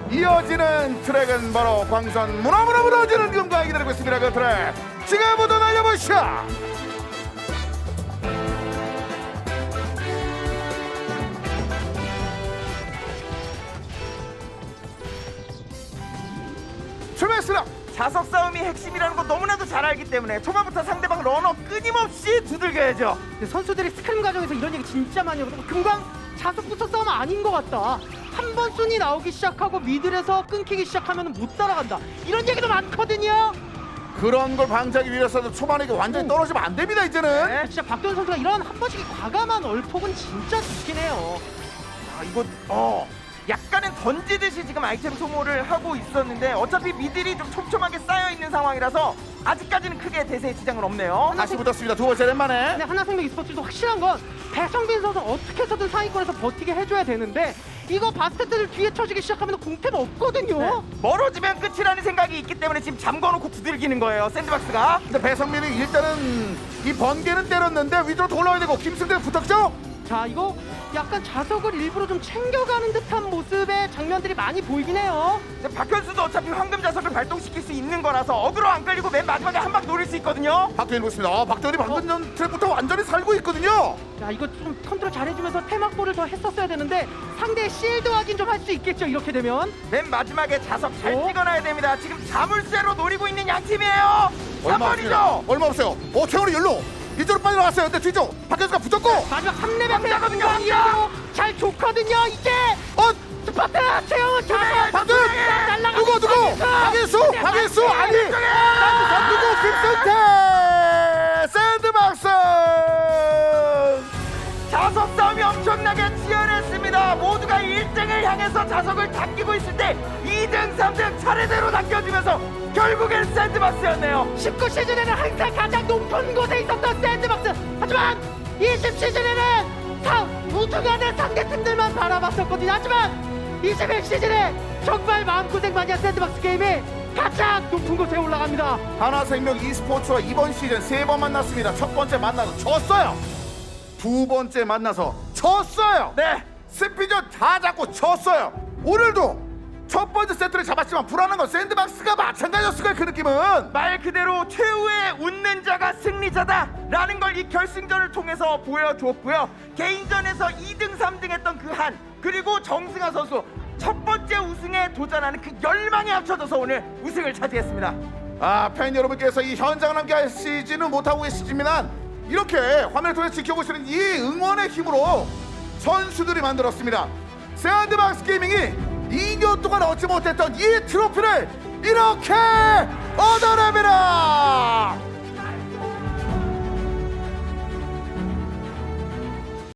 이어지는 트랙은 바로 광선 무너무너 무너지는 금강이 기다리고 있습니다. 그 트랙 지금부터 날려보시죠. 출발했습니다. 자석 싸움이 핵심이라는 거 너무나도 잘 알기 때문에 초반부터 상대방 러너 끊임없이 두들겨야죠. 근데 선수들이 스크림 과정에서 이런 얘기 진짜 많이 하거든요. 금강 자석 부서 싸움 아닌 것 같다. 한 번 순위 나오기 시작하고 미들에서 끊기기 시작하면 못 따라간다. 이런 얘기도 많거든요. 그런 걸 방지하기 위해서는 초반에 완전히 떨어지면 안 됩니다. 이제는 네. 진짜 박도현 선수가 이런 한 번씩 과감한 얼폭은 진짜 좋긴 해요. 아 이거 약간은 던지듯이 지금 아이템 소모를 하고 있었는데 어차피 미들이 좀 촘촘하게 쌓여 있는 상황이라서 아직까지는 크게 대세에 지장은 없네요. 다시 붙었습니다. 두 번째 랜만에. 근데 하나생명 e스포츠도 확실한 건 배성빈 선수 어떻게 해서든 상위권에서 버티게 해줘야 되는데 이거 바스테트를 뒤에 쳐지기 시작하면 공템 없거든요. 네. 멀어지면 끝이라는 생각이 있기 때문에 지금 잠궈놓고 두들기는 거예요. 샌드박스가. 근데 배성민이 일단은 이 번개는 때렸는데 위로 돌아야 되고 김승대 붙었죠? 자 이거 약간 자석을 일부러 좀 챙겨가는 듯한 모습의 장면들이 많이 보이긴 해요. 근데 박현수도 어차피 황금 자석을 발동시킬 수 있는 거라서 어그로 안 끌리고 맨 마지막에 한 방 노릴 수 있거든요. 박도현이 보겠습니다. 박도현이 방금 전 트랙부터 완전히 살고 있거든요. 자 이거 좀 컨트롤 잘해주면서 테막볼을 더 했었어야 되는데 상대의 실드 확인 좀 할 수 있겠죠 이렇게 되면. 맨 마지막에 자석 잘 어? 찍어놔야 됩니다. 지금 자물쇠로 노리고 있는 양 팀이에요. 얼마 없습니다. 3번이죠. 얼마 없어요. 최원이 열로 이쪽으로 빨리 나왔어요. 근데 뒤쪽 박현수가 붙었고 마지막 3레벨 왕자거든요, 왕자! 이어도 잘 좋거든요 이제. 스파트 최영은 자석 박도현 날라가. 누구 박현수 아니 누구 김승태 샌드박스 자석 싸움이 엄청나게 치열했습니다. 모두가 1등을 향해서 자석을 당기고 있을 때 2등, 3등 차례대로 당겨주면서 결국엔 샌드박스였네요. 19 시즌에는 항상 가장 높은 곳에 있었던 샌드박스. 하지만 20 시즌에는 우승하는 상대팀들만 바라봤었거든요. 하지만 21 시즌에 정말 마음고생 많이 한 샌드박스 게임이 가장 높은 곳에 올라갑니다. 하나생명 e스포츠와 이번 시즌 3번 만났습니다. 첫 번째 만나서 졌어요. 두 번째 만나서 졌어요. 네. 스피전 다 잡고 졌어요. 오늘도 첫 번째 세트를 잡았지만 불안한 건 샌드박스가 마찬가지였을 거예요. 그 느낌은 말 그대로 최후의 웃는 자가 승리자다라는 걸 이 결승전을 통해서 보여줬고요. 개인전에서 2등, 3등 했던 그 한, 그리고 정승아 선수 첫 번째 우승에 도전하는 그 열망이 합쳐져서 오늘 우승을 차지했습니다. 팬 여러분께서 이 현장을 함께 하시지는 못하고 계시지만 이렇게 화면을 통해 지켜보시는 이 응원의 힘으로 선수들이 만들었습니다. 샌드박스 게이밍이 2년 동안 얻지 못했던 이 트로피를 이렇게 얻어냅니다.